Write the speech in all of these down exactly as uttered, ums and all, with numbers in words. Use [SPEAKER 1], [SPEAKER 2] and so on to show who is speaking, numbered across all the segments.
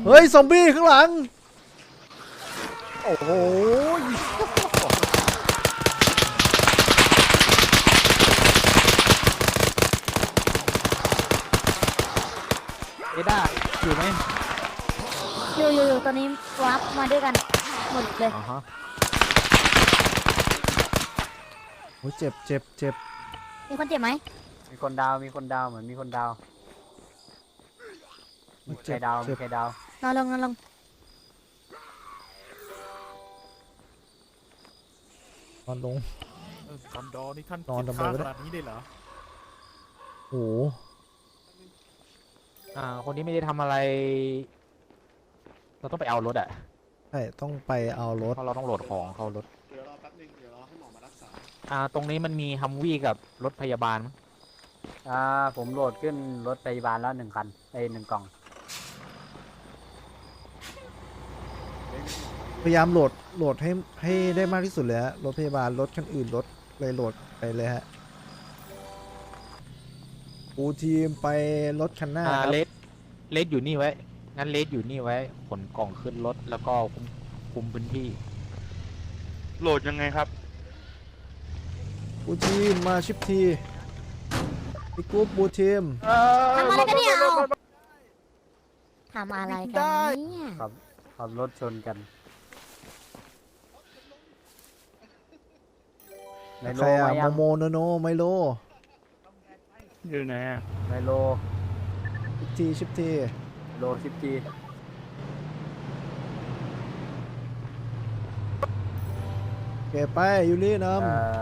[SPEAKER 1] เฮ้ยซอมบี้ข้างหลังโอ้โห
[SPEAKER 2] เอด้าอยู่ไหม
[SPEAKER 3] อยู่อยู่อยู่ตอนนี้วาร์ปมาด้วยกันหมดเลย
[SPEAKER 2] อ๋อฮะ
[SPEAKER 1] โอ้ยเจ็บเจ็บเจ็บ
[SPEAKER 3] มีคนเจ็บไหม
[SPEAKER 4] มีคนดาวมีคนดาวเหมือนมีคนดาวมีใครดาวมีใครดาวน
[SPEAKER 3] อนลงนอนลง
[SPEAKER 1] นอนลง
[SPEAKER 5] คอนดอนี่ท่าน
[SPEAKER 1] นอนทำไม
[SPEAKER 5] ข
[SPEAKER 1] วะเนี่ย
[SPEAKER 5] นาดนี้ได้เหรอ
[SPEAKER 1] โอ้
[SPEAKER 2] อ่าคนนี้ไม่ได้ทำอะไรเราต้องไปเอารถอ่ะ
[SPEAKER 1] ใช่ต้องไปเอารถ
[SPEAKER 2] เพราะเราต้องโหลดของเข้ารถ
[SPEAKER 6] เดี๋ยวรอแป๊บนึงเดี๋ยวรอให้หมอมารักษา
[SPEAKER 2] อ่าตรงนี้มันมีฮัมวี่กับรถพยาบาลมั้ง
[SPEAKER 4] อ่าผมโหลดขึ้นรถพยาบาลแล้วหนึ่งคันไอ้หนึ่งกล่อง
[SPEAKER 1] พยายามโหลดโหลดให้ให้ได้มากที่สุดเลยฮะรถพยาบาลรถคันอื่นรถเลยโหลดไปเลยฮะปูทีมไปรถคันหน้า
[SPEAKER 2] อ่า
[SPEAKER 1] ครับ
[SPEAKER 2] เลสเลสอยู่นี่ไว้งั้นเลสอยู่นี่ไว้ขนกล่องขึ้นรถแล้วก็คุมคุมพื้นที่
[SPEAKER 6] โหลดยังไงครับ
[SPEAKER 1] ปูทีมมาชิปทีพี่กุ๊บปูทีม
[SPEAKER 3] ทำอะไรกันเนี่ยเอาทำอะไรกันเนี่ย
[SPEAKER 4] ขับขับรถชนกันไมโล
[SPEAKER 1] ใครอะ
[SPEAKER 4] มายัง
[SPEAKER 1] โมโมโนโนไมโล
[SPEAKER 6] อยู่ไหนอ่ะ
[SPEAKER 4] ไมโล
[SPEAKER 1] ชิปทีชิปที
[SPEAKER 4] โลสิบจี
[SPEAKER 1] เก็บไปยูริน
[SPEAKER 4] เอ่อ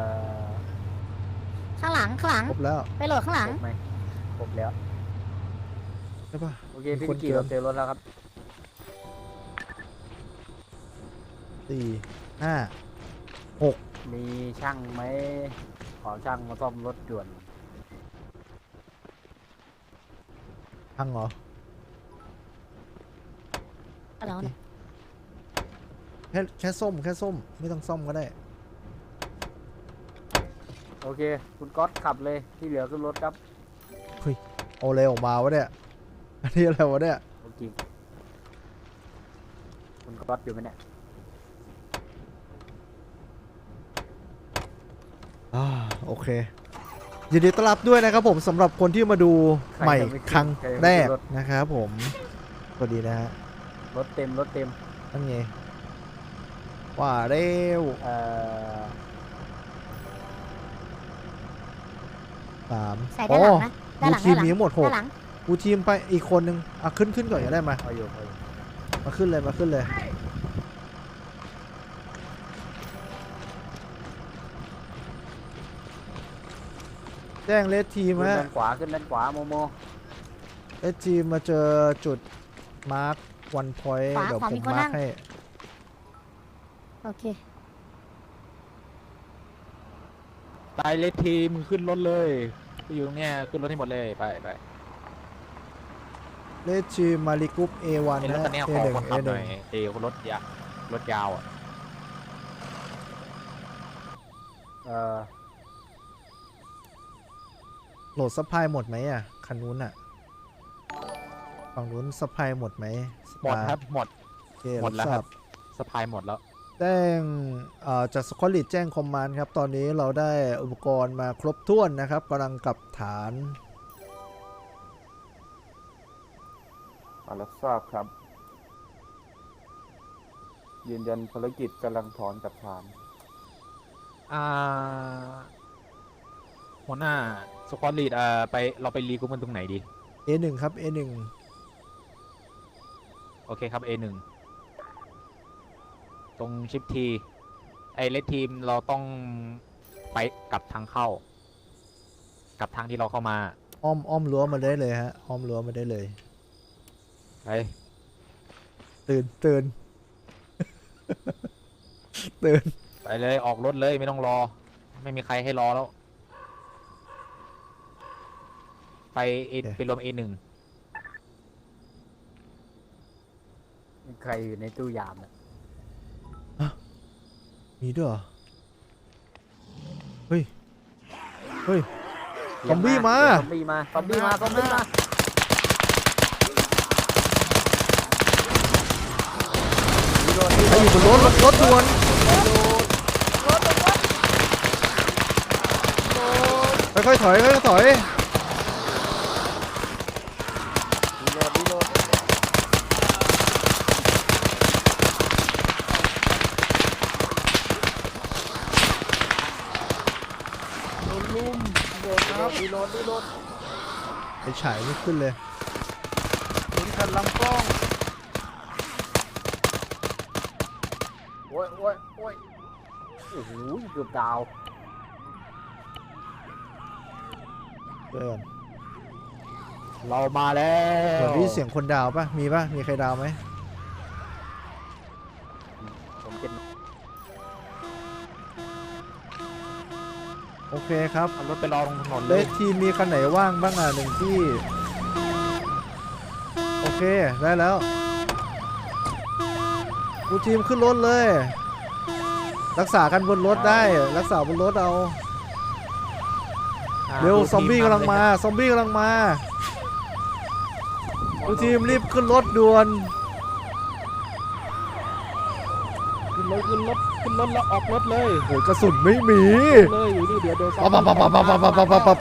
[SPEAKER 3] ข้างหลังข้างหลัง
[SPEAKER 1] ำครบแล้ว
[SPEAKER 3] ไปโหลดข้างหลัง
[SPEAKER 4] ครบไหมครบแล้ว
[SPEAKER 1] ใช่ปะ
[SPEAKER 4] โอเค
[SPEAKER 1] มี
[SPEAKER 4] พี่
[SPEAKER 1] คน
[SPEAKER 4] กี่
[SPEAKER 1] เกิน
[SPEAKER 4] เราเจอรถแล้วครับ
[SPEAKER 1] สี่ห้าหก
[SPEAKER 4] มีช่างไหมขอช่างมาซ่อมรถด่วน
[SPEAKER 1] พังเหรอ
[SPEAKER 3] แล้วเนี่ย
[SPEAKER 1] แค่แค่ส้มแค่ส้มไม่ต้องซ่อมก็ได้
[SPEAKER 4] โอเคคุณก๊อตขับเลยที่เหลือขึ้นรถครับ
[SPEAKER 1] เอาอะไรออกมาวะเนี่ยอันนี้อะไรวะเนี่ย
[SPEAKER 4] โอเคคุณก๊อตอยู่ไหมเนี่ย
[SPEAKER 1] อ่าโอเคยินดีต้อนรับด้วยนะครับผมสำหรับคนที่มาดูใหม่ครั้งแรกนะครับผมสวัสดีนะฮะ
[SPEAKER 4] รถเต็มรถเต็ม
[SPEAKER 1] นั่นไงว่าเร็ว
[SPEAKER 4] เอ่อ
[SPEAKER 1] สาม
[SPEAKER 3] ใส่ด้านหลังนะด้านหลัง
[SPEAKER 1] ที
[SPEAKER 3] ด้าม นหลัง
[SPEAKER 1] มีทั้งหมดหก
[SPEAKER 3] ด้านหลัง
[SPEAKER 1] กูทีมไปอีกคนนึงอ่ะขึ้นขึ้นก่อนก็ได้มา
[SPEAKER 4] เอาอยู่เอาอยู่
[SPEAKER 1] มาขึ้นเลยมาขึ้นเลยแจ้งเลสทีม
[SPEAKER 4] ขึ้น
[SPEAKER 1] ฮะ
[SPEAKER 4] ด้านขวาขึ้นด้านขวาโมโม
[SPEAKER 1] เลสทีมมาเจอจุดมาร์ควันพอยต์เดี๋ยวผมมาร์คให้
[SPEAKER 3] โอเค
[SPEAKER 2] ตายเลสทีมขึ้นรถเลยอยู่ตรงเนี้ยขึ้นรถให้หมดเลยไปไป
[SPEAKER 1] เลสทีมมาริกุป เอ วัน
[SPEAKER 2] เอ็นรถ
[SPEAKER 1] นะ
[SPEAKER 2] คันนี้
[SPEAKER 1] เอ
[SPEAKER 2] ขอ
[SPEAKER 1] หนึ่ง
[SPEAKER 2] คน
[SPEAKER 1] เอ
[SPEAKER 2] ขับ
[SPEAKER 1] ห
[SPEAKER 2] หน่
[SPEAKER 1] นึ่
[SPEAKER 2] อง ยเอรถยาวรถยาวอ่ะ
[SPEAKER 4] เอ่อ
[SPEAKER 1] โหลดซัพพลายหมดไหมอ่ะคันนู้นอ่ะฝั่งนู้นซัพพลายหมดไหม
[SPEAKER 2] หมดครับหมด
[SPEAKER 1] โอเค
[SPEAKER 2] หมดแล้ว
[SPEAKER 1] บ
[SPEAKER 2] ครับสปายหมดแล้ว
[SPEAKER 1] แจ้งเอ่อจากสควอลิตแจ้งคอมมานด์ครับตอนนี้เราได้อุปกรณ์มาครบถ้วนนะครับกำลังกลับฐาน
[SPEAKER 7] รับทราบครับ ยืนยันภารกิจกำลังถอนจากฐาน
[SPEAKER 2] อ่าหัวหน้าสควอตลีดอ่าไปเราไปรีกรุ๊ปกันตรงไหนดี
[SPEAKER 1] เอ หนึ่ง ครับ เอ หนึ่ง
[SPEAKER 2] โอเคครับ เอ หนึ่ง ตรงชิปทีไอเลสทีมเราต้องไปกลับทางเข้ากลับทางที่เราเข้ามา
[SPEAKER 1] อ้อมอ้อมรั้วมาได้เลยฮะอ้อมรั้วมาได้เลย
[SPEAKER 2] ไป
[SPEAKER 1] ตื่นตื่น ตื่น
[SPEAKER 2] ไปเลยออกรถเลยไม่ต้องรอ ไม่มีใครให้รอแล้ว ไปเอไปรวม เอ หนึ่ง
[SPEAKER 4] มีใครอยู่ในตู้ยามเนี่ย
[SPEAKER 1] มีด้วยเหรอเฮ้ยเฮ้ย ซอมบี้มา
[SPEAKER 4] ซอมบี้มาซอมบี้มาซอมบี้มา
[SPEAKER 1] อยู่บนรถรถรถด่วนค่อยๆถอยค่อยๆถอย
[SPEAKER 5] โดนลุมโดนครับรีโหลดรีโหลด
[SPEAKER 1] ไปฉายไม่ขึ้นเลย
[SPEAKER 5] โดนขัดลำกล้อง
[SPEAKER 4] โอ้ยโอ้ยโอ้ยโอ้โหเกือบดาว
[SPEAKER 1] เดิน
[SPEAKER 2] เรามาแล้
[SPEAKER 1] เหมือน
[SPEAKER 2] ว
[SPEAKER 1] ได้ยินเสียงคนดาวปะมีปะมีใครดาวไหม
[SPEAKER 4] ผมเป็น
[SPEAKER 1] โอเคครับ
[SPEAKER 2] เอารถไปรอตรงถนน
[SPEAKER 1] เล
[SPEAKER 2] เลย
[SPEAKER 1] ขทีมมีคันไหนว่างบ้างอ่ะหนึ่งที่โอเคได้แล้วกูทีมขึ้นรถเลย รักษากันบนรถได้รักษาบนรถเอา
[SPEAKER 2] อ่า
[SPEAKER 1] เร็ว
[SPEAKER 2] ดู
[SPEAKER 1] ซอมบี้
[SPEAKER 2] ที
[SPEAKER 1] กำลังมาซอมบี้กำลังมากูทีมรีบขึ้นรถด่วน
[SPEAKER 5] ขึ้นรถขึ้นรถขึ้นรถแล้วออกรถเลย
[SPEAKER 1] โอ้ยกระสุนไม่มี
[SPEAKER 5] เลยอยู่นี่เดี๋ยวเดี๋ยว
[SPEAKER 1] ปับปับปับปับปับปับปับปับปับ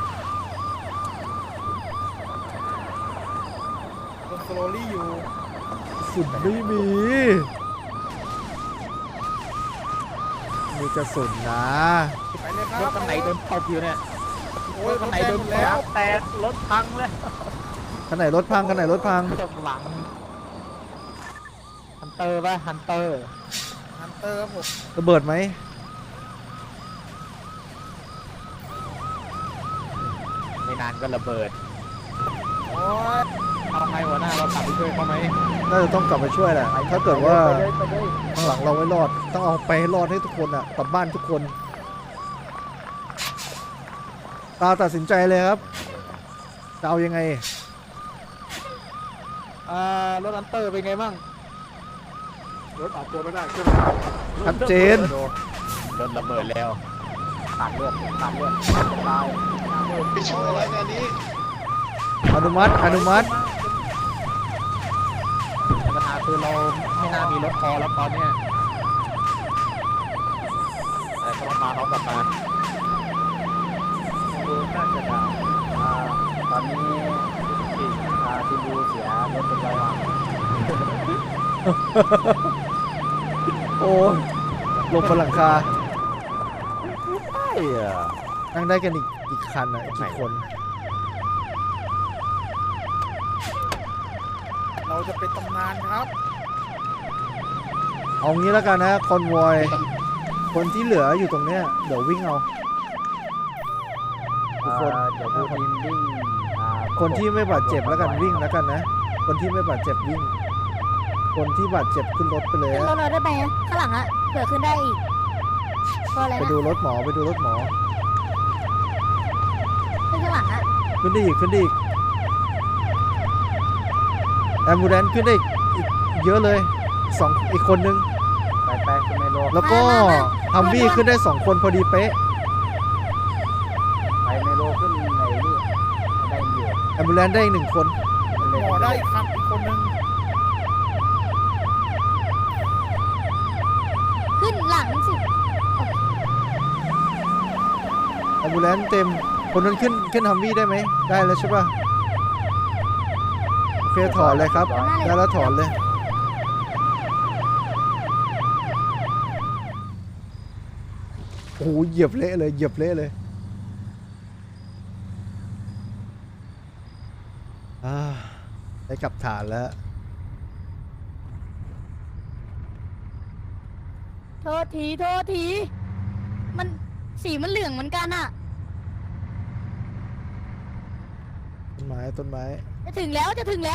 [SPEAKER 5] โดนสโลลี่อยู่
[SPEAKER 1] กระสุนไม่มีมีกระสุนนะ
[SPEAKER 5] ไปเลยค
[SPEAKER 2] ร
[SPEAKER 5] รั
[SPEAKER 2] ถ
[SPEAKER 5] บ
[SPEAKER 2] คันไหนโดนตบอยู่เนี่ย
[SPEAKER 5] โอ้ย
[SPEAKER 2] คันไหน
[SPEAKER 5] ร
[SPEAKER 2] โด
[SPEAKER 5] ถ
[SPEAKER 2] น
[SPEAKER 5] แตกหมดแล้ว
[SPEAKER 2] แตกรถพังเลย
[SPEAKER 1] คันไหนรถพังคันไหนรถพัง
[SPEAKER 2] ตบหลังฮันเตอร์ป่ะฮันเตอร์
[SPEAKER 5] ฮันเตอร์ครับผม
[SPEAKER 1] ระเบิดไหม
[SPEAKER 2] ไม่นานก็ระเบิด
[SPEAKER 5] โอ้ย
[SPEAKER 2] เอาไงหัวหน้าเรากลับไปช่วยเขาไหม
[SPEAKER 1] น่าจะต้องกลับมาช่วยแหละถ้าเกิดว่า
[SPEAKER 4] ไปเลยไปเลย
[SPEAKER 1] ข้างหลังเราไว้รอดต้องเอาไปให้รอดให้ทุกคนอ่ะกลับบ้านทุกคนตาตัดสินใจเลยครับจะเอายังไง
[SPEAKER 2] อ่ารถฮันเตอร์เป็นไงบ้าง
[SPEAKER 6] รถออกตัวไม่ได้ใช่ไหม
[SPEAKER 1] ชัดเจน
[SPEAKER 2] รถระเบิดแล้ว
[SPEAKER 4] ขาดเลือดขาดเลือดตาย
[SPEAKER 6] ไปช่วยอะไรงานนี้
[SPEAKER 1] อนุมัติอนุมัติ
[SPEAKER 2] แต่ปัญหาคือเราไม่น่ามีรถพอแล้วตอนเนี้ยแต่ก็มาเขากลับมา
[SPEAKER 4] ดูน่าจะดาวอ่าตอนนี้อ่าทีมดูเสียรถเป็นร้อยวัน
[SPEAKER 1] โอ้ยลงบนหลังคา
[SPEAKER 2] ใช่อะ
[SPEAKER 1] นั่งได้กันอีกอีกคันอ่ะอีกกี่คน
[SPEAKER 5] เราจะเป็นตำนานครับ
[SPEAKER 1] เอางี้แล้วกันนะคอนวอยคนที่เหลืออยู่ตรงเนี้ยเดี๋ยววิ่งเอาทุกคน
[SPEAKER 4] อ่าเดี๋ยวดูทีมวิ่งอ่า
[SPEAKER 1] คนที่ไม่บาดเจ็บแล้วกันวิ่งแล้วกันนะ คนที่ไม่บาดเจ็บวิ่ง คนที่บาดเจ็บขึ้นรถไปเลย
[SPEAKER 3] ขึ้นร
[SPEAKER 1] อะ
[SPEAKER 3] ถเลยได้ไหมข้างหลังอะเผื่อขึ้นได้อีกก็อะไร
[SPEAKER 1] ไป
[SPEAKER 3] นะ
[SPEAKER 1] ดูรถหมอไปดูรถหมอ
[SPEAKER 3] ขึ้นข้างหลังอะ
[SPEAKER 1] ขึ้นได้อีกขึ้นได้อีกแอมบูแลนซ์ขึ้นได้อีกอีกเยอะเลยสองอีกคนนึง
[SPEAKER 4] ไปไปคุณเมโล
[SPEAKER 1] แล้วก็ฮัมวี่ขึ้นได้สองคนพอดีเป๊ะ
[SPEAKER 4] ไปเมโลขึ้นไหนนี่ได้อยู่
[SPEAKER 1] แอมบูแลนซ์ได้อีกหนึ่งคน
[SPEAKER 5] หมอได้อีกครับอีกคนนึง
[SPEAKER 3] ขึ้นหลังสิ
[SPEAKER 1] แอมบูแลนซ์เต็มคนนั้นขึ้นขึ้นฮัมวี่ได้ไหมได้แล้วใช่ป่ะโอเคถอนเลยครับได้แล้วถอนเลยโอ้โหเหยียบเละเลยเหยียบเละเลยอ่าได้กลับฐานแล้ว
[SPEAKER 3] โทษทีโทษทีมันสีมันเหลืองเหมือนกันอะ
[SPEAKER 1] ต้นไม้ต้นไม้
[SPEAKER 3] จะถึงแล้วจะถึงแล้ว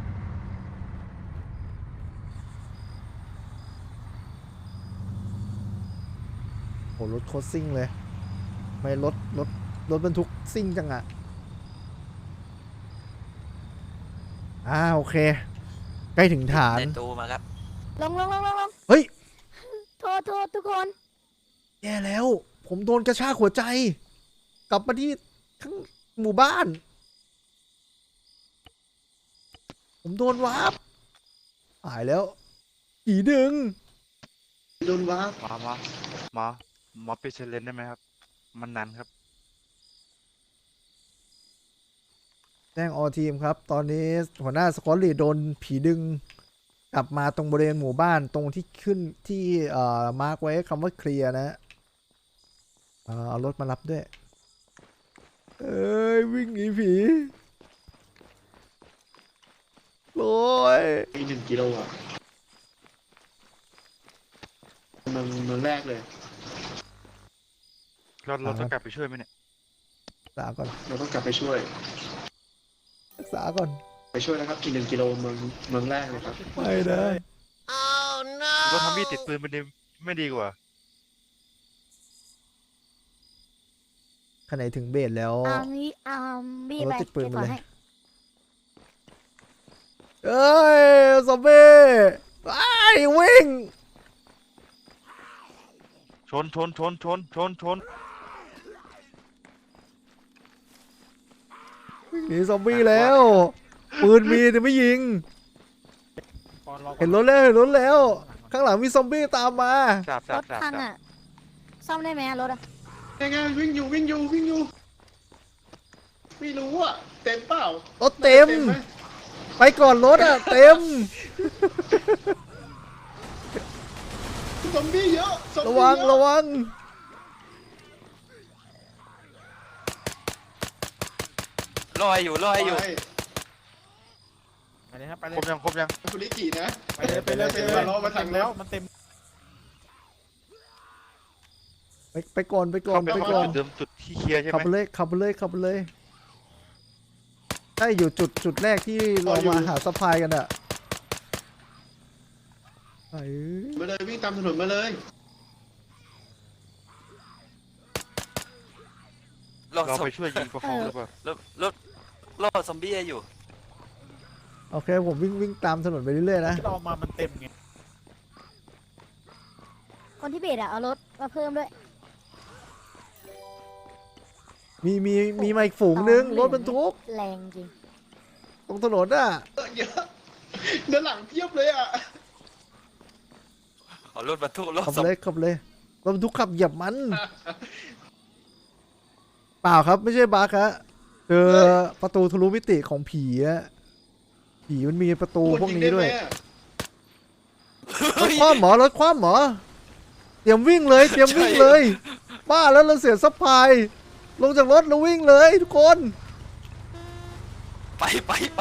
[SPEAKER 1] โหรถโคตรซิ่งเลยไม่รถรถรถบรรทุกซิ่งจังอะอ่าโอเค ใกล้ถึงฐาน
[SPEAKER 8] ในตู้มาครับ
[SPEAKER 3] ลงลงลงลงลง
[SPEAKER 1] เฮ้ย
[SPEAKER 3] โทษโทษทุกคน
[SPEAKER 1] แย่แล้ว ผมโดนกระชากหัวใจ กลับมาที่ข้างหมู่บ้าน ผมโดนวาร์ปหายแล้วผีดึง
[SPEAKER 6] โดนว้า
[SPEAKER 8] หมอหมอหมอหมอปิดเซเลนได้ไหมครับ มันนานครับ
[SPEAKER 1] แจ้งออทีมครับ ตอนนี้หัวหน้าสกอตลีดโดนผีดึงกลับมาตรงบริเวณหมู่บ้านตรงที่ขึ้นที่เอ่อมาร์กไว้คำว่าเคลียร์นะเอ่อเอารถมารับด้วย เอ้ย วิ่งหนีผีโอ้ย
[SPEAKER 6] อีกหนึ่งกิโลอ่ะเมืองเมืองแรกเลย
[SPEAKER 8] เราเราต้องกลับไปช่วยไหมเนี่ย
[SPEAKER 1] รักษาก่อน
[SPEAKER 6] เราต้องกลับไปช่วย
[SPEAKER 1] รักษาก่อน
[SPEAKER 6] ไปช่วยนะครับอีกหนึ่งกิโลเมืองเมืองแรกเลยครับ
[SPEAKER 1] ไม่ได้
[SPEAKER 8] เราทำมีดติดปืนมันดีไม่ดีกว่า
[SPEAKER 1] ขณะถึงเบสแล้ว
[SPEAKER 3] อามีอามี
[SPEAKER 1] เอาร
[SPEAKER 3] ไป
[SPEAKER 1] ถติดปืน
[SPEAKER 3] เก็บ
[SPEAKER 1] มา
[SPEAKER 3] ก่อน
[SPEAKER 1] เลย
[SPEAKER 3] ให้
[SPEAKER 1] เอ้ยซอมบี้ไอ้ายวิ่ง
[SPEAKER 8] ชนชนชนชนชนชน
[SPEAKER 1] วิ่งหนีซอมบี้แล้ว ปืนมีแต่ไม่ยิง
[SPEAKER 5] ปอนรอก่อน
[SPEAKER 1] เห็นรถแล้วเห็นรถแล้ว ข้างหลังมีซอมบี้ตามมา
[SPEAKER 8] สาบ
[SPEAKER 3] ร
[SPEAKER 8] สาบ
[SPEAKER 3] ถ
[SPEAKER 8] สาบ
[SPEAKER 3] พัง
[SPEAKER 8] สาบ
[SPEAKER 3] อ่ะ ซ่อมได้ไหมอะรถอ่ะ
[SPEAKER 6] ยังไงวิ่งอยู่วิ่งอยู่วิ่งอยู่ไม่รู้อ่ะเต็มเปล่าร
[SPEAKER 1] ถเต็ม
[SPEAKER 6] ไหม
[SPEAKER 1] ไปก่อนรถอ่ะ เต็ม
[SPEAKER 6] ซอมบี้เยอะซอม
[SPEAKER 1] ระ
[SPEAKER 6] บี้
[SPEAKER 1] วัง
[SPEAKER 6] เยอ
[SPEAKER 1] ระวัง
[SPEAKER 9] รออยู่รออยู่
[SPEAKER 6] ไป
[SPEAKER 5] ไปเลยครับไปเล
[SPEAKER 8] คร
[SPEAKER 5] ย
[SPEAKER 8] บยังครบยัง
[SPEAKER 6] คุณลิกินะ
[SPEAKER 5] ไปเลยไปเลยไปเลย
[SPEAKER 6] มารอมา
[SPEAKER 5] มัน
[SPEAKER 6] ทา
[SPEAKER 5] เต็
[SPEAKER 6] ง
[SPEAKER 5] ม
[SPEAKER 6] แล้
[SPEAKER 5] แล้ว วมันเต็ม
[SPEAKER 1] ไปไปก่อนไปก่อน
[SPEAKER 8] เข้า
[SPEAKER 1] ไป
[SPEAKER 8] ไป
[SPEAKER 1] ก่อน
[SPEAKER 8] จุดเดิมจุดที่เคลียร์ใช่ไห
[SPEAKER 1] ขับ
[SPEAKER 8] ม
[SPEAKER 1] ไปเลยขับไปเลยขับไปเลยใช่อยู่จุดจุดแรกที่เรามาหาสะพายกันอะเอ้ย
[SPEAKER 6] มาเลยวิ่งตามถนนมาเลย
[SPEAKER 9] รอ
[SPEAKER 8] เรา
[SPEAKER 9] ซอม
[SPEAKER 8] ไปช่วยยิงประคองหรือเปล่า
[SPEAKER 9] รอรอรอซอมบี้อยู่
[SPEAKER 1] โอเคผมวิ่งวิ่งตามถนนไปเรื่อยๆนะ
[SPEAKER 5] ที่เรามามันเต็มไง
[SPEAKER 3] คนที่เบสอ่ะ เอารถมาเพิ่มด้วย
[SPEAKER 1] มีมีมีมาอีกฝูงนึงรถบรรทุก
[SPEAKER 3] แรงจริง
[SPEAKER 1] ตรงถนนอ่ะ
[SPEAKER 6] เออเยอะด้านหลังเพียบเลยอ่ะ
[SPEAKER 9] เอารถบรรทุกรถ
[SPEAKER 1] ขับ
[SPEAKER 9] ซอม
[SPEAKER 1] เลยขับเลยรถบรรทุกขับเหยียบมัน เปล่าครับไม่ใช่บั๊กฮะเจอประตูทะลุมิติของผีอะผีมันมีประตูพวกนี้ด้วย รถคว่ำหมอรถคว่ำหมอเตรียมวิ่งเลยเตรียมวิ่งเลยบ้าแล้วเราเสียซัพพลายลงจากรถแล้ววิ่งเลยทุกคน
[SPEAKER 9] ไปไปไป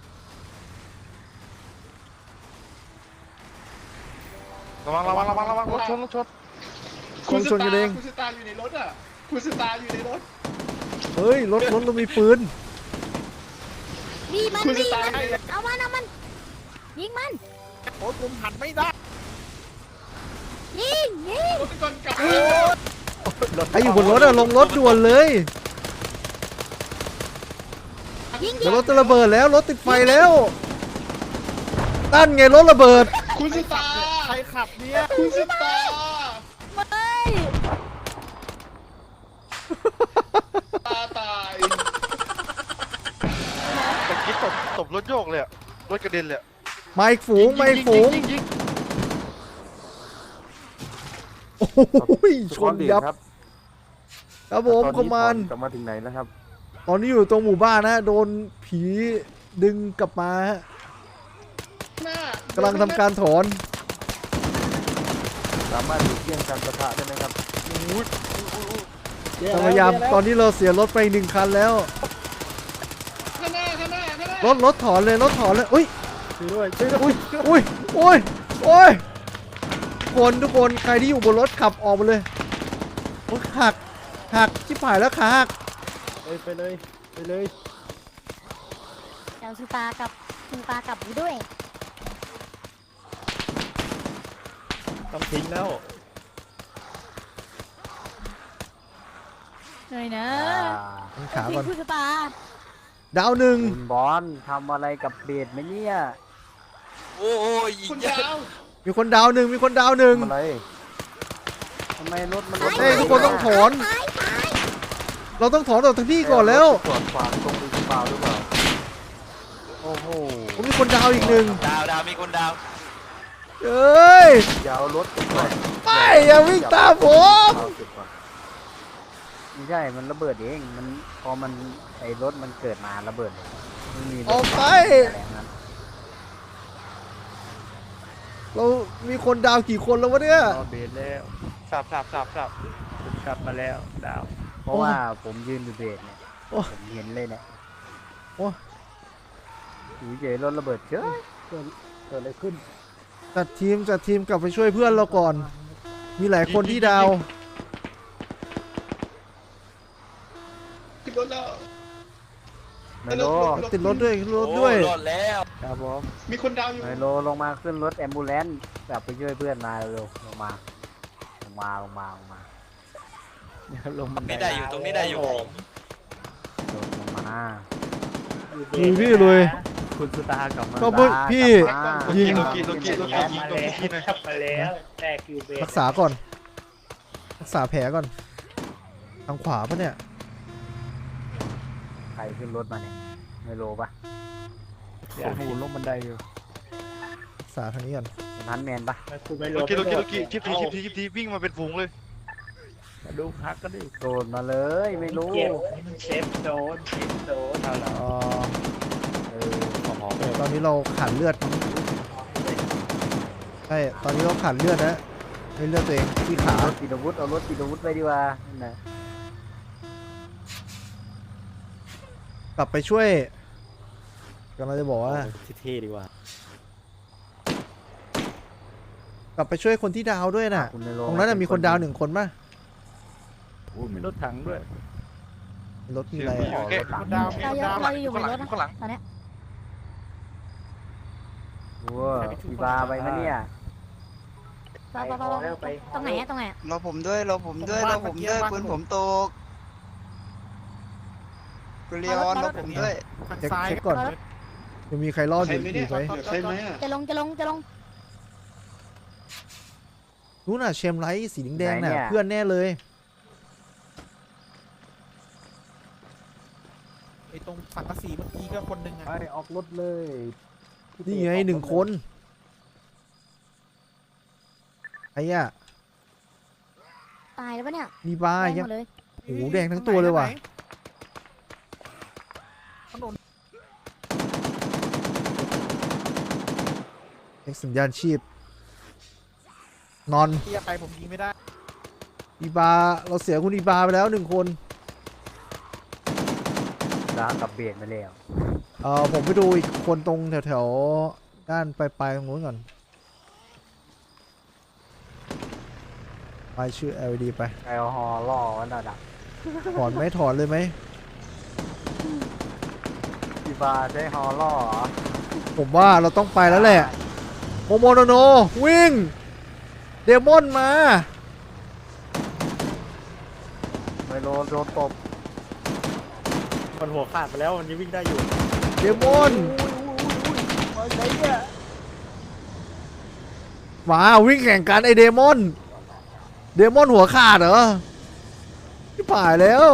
[SPEAKER 8] ระวังระวังระวังระวังรถชนรถชน
[SPEAKER 1] คนชนกันเอง
[SPEAKER 6] คุณสตาร์อยู่ในรถอ่ะคุณสตาร์อยู่ในรถ
[SPEAKER 1] เฮ้ยรถรถเรามีปืน
[SPEAKER 3] มีมัน
[SPEAKER 6] คุณ
[SPEAKER 3] มี
[SPEAKER 6] จะ
[SPEAKER 3] มัน
[SPEAKER 6] ตาย
[SPEAKER 3] เอามันเอามัน ยิงมัน
[SPEAKER 5] โอ้ผมหันไม่ได้
[SPEAKER 3] ยิงยิง
[SPEAKER 6] รถก่อนกลับ
[SPEAKER 1] ใครอยู่บนรถอะลงรถด่วนเลย
[SPEAKER 3] ยิงยิ
[SPEAKER 1] เดี๋ยว
[SPEAKER 3] ง
[SPEAKER 1] รถจะระเบิดแล้วรถติดไฟแล้วตั้นไงรถระเบิด
[SPEAKER 6] คุณสตาร์
[SPEAKER 5] ใครขับเนี่ย
[SPEAKER 6] คุณสตาร์
[SPEAKER 3] ไม่
[SPEAKER 6] ตาตาย
[SPEAKER 8] ตะกี้ตบตบรถโยกเลยอะรถกระเด็นเลยอะ
[SPEAKER 1] มาอีกฝูงมาอีกฝูง
[SPEAKER 8] ยิงยิงยิง
[SPEAKER 1] โอ้ยช
[SPEAKER 7] สกอน ตลีด
[SPEAKER 1] ยับ
[SPEAKER 7] ครับ
[SPEAKER 1] ครับผม
[SPEAKER 7] ตอน
[SPEAKER 1] คอ
[SPEAKER 7] นี้
[SPEAKER 1] มมาน
[SPEAKER 7] ถอนกลับมาถึงไหนแล้วครับ
[SPEAKER 1] ตอนนี้อยู่ตรงหมู่บ้านนะโดนผีดึงกลับมาฮะ
[SPEAKER 6] หน้าก
[SPEAKER 1] ำลังทำการถอน
[SPEAKER 7] สามารถหลีกเลี่ยงการประทะได้ไหมครับ
[SPEAKER 1] พยายามตอนนี้เราเสียรถไปหนึ่งคันแล้ว
[SPEAKER 6] ข้างหน้าข้างหน้าข้างหน้าร
[SPEAKER 1] ถรถถอนเลยรถถอนเลยอุ้ย
[SPEAKER 5] ช่วยด้วยช่วยด้วย
[SPEAKER 1] อุ้ยอุ้ยอุ้ยอุ้ยคนทุกคนใครที่อยู่บนรถขับออกมาเลยโอ้ยหักหักชิบหายแล้วขาหัก
[SPEAKER 5] ไปไปเลยไปเลย
[SPEAKER 3] เดี๋ยวสุตากับสุตากับอยู่ด้วย
[SPEAKER 5] ต้องทิ้งแล้ว
[SPEAKER 3] เหนื่อยนะ
[SPEAKER 1] มันขาก่อน
[SPEAKER 3] คุณสุตา
[SPEAKER 1] ดาวหนึ่ง
[SPEAKER 4] คุณบอลทำอะไรกับเบสไหมเนี่ย
[SPEAKER 9] โอ้โหยิ
[SPEAKER 6] คุ
[SPEAKER 9] ง
[SPEAKER 6] ณ
[SPEAKER 9] เยอะ
[SPEAKER 6] ดาว
[SPEAKER 1] มีคนดาวหนึ่งมีคนดาวหนึ่ง
[SPEAKER 7] ทำอะไรทำไมรถมันรถ
[SPEAKER 1] เฮ้ยทุกคนต้องถอน
[SPEAKER 3] ตายตาย
[SPEAKER 1] เราต้องถอนออกจากที่ก่อนแล้ว
[SPEAKER 7] ตรวจขวางตรงหรือเปล่าหรือเปล่า โอ้โห
[SPEAKER 1] ผมมีคนดาวอีกหนึ่ง
[SPEAKER 9] ดาวดาวมีคนดาว
[SPEAKER 1] เอ้ย
[SPEAKER 7] อย่าเอารถขึ้นไป
[SPEAKER 1] ไม่อย่าวิ่งตามผม
[SPEAKER 7] เอาจุดก่อน
[SPEAKER 4] ไม่ใช่มันระเบิดเองมันพอมันไอ้รถมันเกิดมาระเบิดเลยไม่มีรถ
[SPEAKER 1] ออกไป
[SPEAKER 4] อะไรทั้งนั้น
[SPEAKER 1] เรามีคนดาวกี่คนแล้ววะเนี่ย
[SPEAKER 5] รอเบสแล้ว
[SPEAKER 8] สับสับสับสับ
[SPEAKER 5] ผมกลับมาแล้วดาว
[SPEAKER 4] เพราะว่าผมยืนอยู่เบรกเนี่ย
[SPEAKER 1] โอ้
[SPEAKER 4] ผมเห็นเลยเนี่ย
[SPEAKER 1] โอ้
[SPEAKER 4] อยู่เฉยรถระเบิดเฉย
[SPEAKER 5] เกิดเกิดอะไรขึ้น
[SPEAKER 1] จัดทีมจัดทีมกลับไปช่วยเพื่อนเราก่อน มีหลายคนที่ดาว
[SPEAKER 6] ขึ้นรถแล้ว
[SPEAKER 4] ไมโล
[SPEAKER 1] ติดรถด้วยรถด้วย
[SPEAKER 9] โอ้รอดแล้ว
[SPEAKER 5] ครับผม
[SPEAKER 6] มีคนดาวอยู่
[SPEAKER 4] ไมโลลงมาขึ้นรถแอมบูเลนซ์กลับไปช่วยเพื่อนมาเร็วลงมาลงมาลงมาลงมา
[SPEAKER 5] ลง
[SPEAKER 9] ตรงนี้ได้อยู่ตรงนี้ได้อยู่
[SPEAKER 4] ลงลงมา
[SPEAKER 1] ดูพี่เลย
[SPEAKER 5] คุณสุตากลับมา
[SPEAKER 1] ก็เพิ่งพี่
[SPEAKER 4] กลับมา
[SPEAKER 1] ยิง
[SPEAKER 8] โลกิโลกิโลกิยิงตรงนี้หน่อย
[SPEAKER 5] มาแล้วแตกคิวเบส
[SPEAKER 1] รักษาก่อน รักษาแผลก่อน ทางขวาปะเนี่ย
[SPEAKER 4] ใครขึ้นรถมาเนี่ยไมโลปะ
[SPEAKER 5] อยากให้อยู่ลงบันไดอยู่
[SPEAKER 1] รักษาทางนี้ก่อน
[SPEAKER 4] นั้นแมนปะ
[SPEAKER 8] โลกิโลกิโลกิชิปทีชิปทีชิปทีวิ่งมาเป็นฝูงเลย
[SPEAKER 5] มาดูพักก็ดิ
[SPEAKER 4] โดนมาเลยไม่รู้
[SPEAKER 5] เก็บมันเซฟโดนเซฟโดนเอาละ
[SPEAKER 1] เอ่อ
[SPEAKER 4] เออขอ
[SPEAKER 1] เดี๋ยวตอนนี้เราขาดเลือดใช่ตอนนี้เราขาดเลือดนะให้เลือดตัวเองที่ขา
[SPEAKER 4] รถติดอาวุธเอารถติดอาวุธไปดีกว่านั่นนะ
[SPEAKER 1] กลับไปช่วยกำลังจะบอกว่า
[SPEAKER 5] เท่ดีกว่าก
[SPEAKER 1] ลับไปช่วยคนที่ดาวด้วยน่ะ
[SPEAKER 4] คุณไมโล
[SPEAKER 1] ตรงนั้นนะมีคนดาวหนึ่งคนป่ะ
[SPEAKER 5] อู้มีรถถังด้วย
[SPEAKER 1] รถมีอะไร
[SPEAKER 8] เสียง
[SPEAKER 1] อ่ะ
[SPEAKER 8] ผู้หญิง
[SPEAKER 5] คนดาว
[SPEAKER 3] เรายังเราอยู่บนรถนะ
[SPEAKER 9] ข้างหลัง
[SPEAKER 3] ตอนเนี้ย
[SPEAKER 4] ว้าอีบาไปมะเนี่ย
[SPEAKER 3] ไปไปไปไปตรงไหนอะตรงไหนอะ
[SPEAKER 9] รอผมด้วยรอผมด้วยรอผมด้วยปืนผมตกคุณเลียนรอผมด้วย
[SPEAKER 1] เช็คเช็คก่อนจะมีใครรอด
[SPEAKER 6] ใค
[SPEAKER 1] อ
[SPEAKER 6] ร
[SPEAKER 1] ยู่
[SPEAKER 6] ไหม
[SPEAKER 1] อ
[SPEAKER 6] เนี่ย
[SPEAKER 1] ยู่ไหม
[SPEAKER 6] ใครไหมอ่ะ
[SPEAKER 3] จะลงจะลงจะลง
[SPEAKER 1] นู้นน่ะเชมไลท์สีแดงๆน่ะเพื่อนแน่เลย
[SPEAKER 5] ไอ้ตรงสังกะสีเมื่อกี้ก็คนหนึ่งอ่ะ
[SPEAKER 7] ไปออกรถเลย
[SPEAKER 1] นี่ไงหนึ่งคนไอ้อะ
[SPEAKER 3] ตายแล้วปะเนี่ย
[SPEAKER 1] มีบ้า
[SPEAKER 3] แดง
[SPEAKER 1] ยัง
[SPEAKER 3] หมดเลย
[SPEAKER 1] โอ้โหแดงทั้งตัวเลยว่ะเอ็กสัญญาณชีพ นอน
[SPEAKER 5] ที่ไปผมยิงไม่ได้
[SPEAKER 1] อีบาเราเสียคุณอีบาไปแล้วหนึ่งคน
[SPEAKER 4] ดาวกับเบรกมาแล้ว
[SPEAKER 1] เออผมไปดูอีกคนตรงแถวๆด้านปลายๆตรงนู้นก่อนไปชื่อ แอล อี ดี ไป
[SPEAKER 4] แอลฮอล์ล่อวันระดับ
[SPEAKER 1] ถอนไหมถอนเลยไหม
[SPEAKER 4] อีบาใช้ฮอล์ล่อเหรอ
[SPEAKER 1] ผมว่าเราต้องไปแล้วแหละโมโมโนโนวิ่ง เดมอนมา
[SPEAKER 4] ไมโลโดนตบ
[SPEAKER 5] มันหัวขาดไปแล้วมันยังวิ่งได้อยู่
[SPEAKER 1] เดมอน
[SPEAKER 4] อะไรเนี่ย
[SPEAKER 1] มาวิ่งแข่งกันไอเดมอน เดมอนหัวขาดเหรอที่ผ่ายแล้ว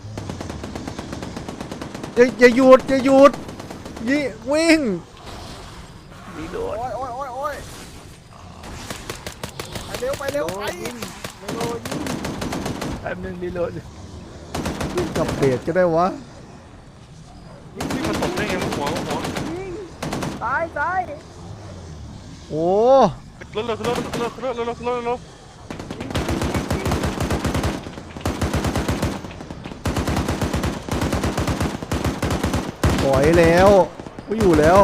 [SPEAKER 1] อย่าอย่าหยุดอย่าหยุดยิวิ่ง
[SPEAKER 5] ดีโดด
[SPEAKER 7] โอ้ยโอ้ยโอ้ยโอ้ยไปเร็วไปเร็วไปไมโลยิง
[SPEAKER 5] แป๊บนึงดีโดด
[SPEAKER 1] วิ่งกับเบรดก็ได้วะ
[SPEAKER 8] วิ่งมาตบได้ไงวะหัวหัว
[SPEAKER 4] ตายตาย
[SPEAKER 1] โอ้
[SPEAKER 8] รถรถรถรถรถรถรถรถรถ
[SPEAKER 1] ปล่อยแล้วไม่อยู่แล้ว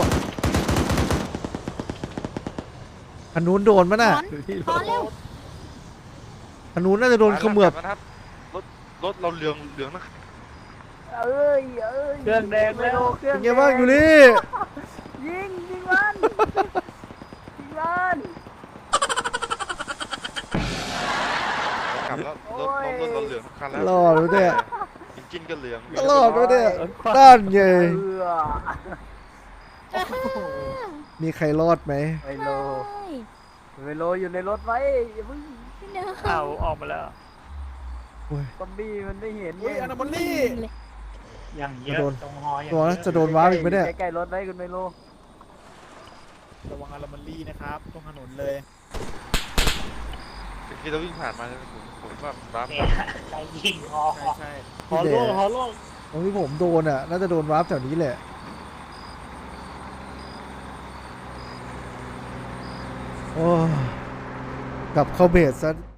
[SPEAKER 1] อันนู้นโดนมั้ย
[SPEAKER 3] ถ
[SPEAKER 1] น่ะ
[SPEAKER 3] อนถอนเร็ว
[SPEAKER 1] อันนู้นน่าจะโดนเขมือบ
[SPEAKER 8] นะครับรถรถเราเหลืองเหลืองนะ
[SPEAKER 4] เอ้ยเอ้ย
[SPEAKER 5] เครื่องแดง
[SPEAKER 4] ไม
[SPEAKER 5] แล้ว
[SPEAKER 4] โลเครื่
[SPEAKER 1] เป็
[SPEAKER 4] อง
[SPEAKER 1] นไงบ้างอยู่นี่
[SPEAKER 4] ยิงยิงมันยิงมัน
[SPEAKER 8] กลับแล้วรถรถเราเหลืองทุกคันแล้ว
[SPEAKER 1] รอดแล้วเนี่ย
[SPEAKER 8] อินจินก็เหลือง
[SPEAKER 1] รอดแล้วเนี่ยด้านไง
[SPEAKER 4] เออ
[SPEAKER 1] มีใครรอดไหม
[SPEAKER 4] ไมโล
[SPEAKER 3] เฮ้ย
[SPEAKER 4] ไมโลอยู่ในรถไว้อย่าเพิ่ง
[SPEAKER 3] พี่เนย
[SPEAKER 5] เอาออกมาแล้ว
[SPEAKER 4] ซอมบี้มันไม่เห็น
[SPEAKER 5] อุ้ยอนาบอลลี่
[SPEAKER 3] เลย
[SPEAKER 5] อย่างเย
[SPEAKER 1] จะโด
[SPEAKER 5] อะ
[SPEAKER 1] น
[SPEAKER 5] ตรงหออย่าง
[SPEAKER 1] ตัวนะจะโดนว้าอีกไหมเนี่ย
[SPEAKER 4] ใกล้ๆรถไว้คุณไมโล
[SPEAKER 5] ระวังอารามันลี่นะครับตรงถนนเลย
[SPEAKER 8] เมื่อกี้เราวิ่งผ่านมาใช่ไหมผมผมแบบรับ
[SPEAKER 5] ใจยิงคอใช่ใช่หอล่วงหอล่วง
[SPEAKER 1] ตรงที่ผมโดนอ่ะ น่าจะโดนวาร์ปแถวนี้แหละ โอ้กลับเข้าเบสซะ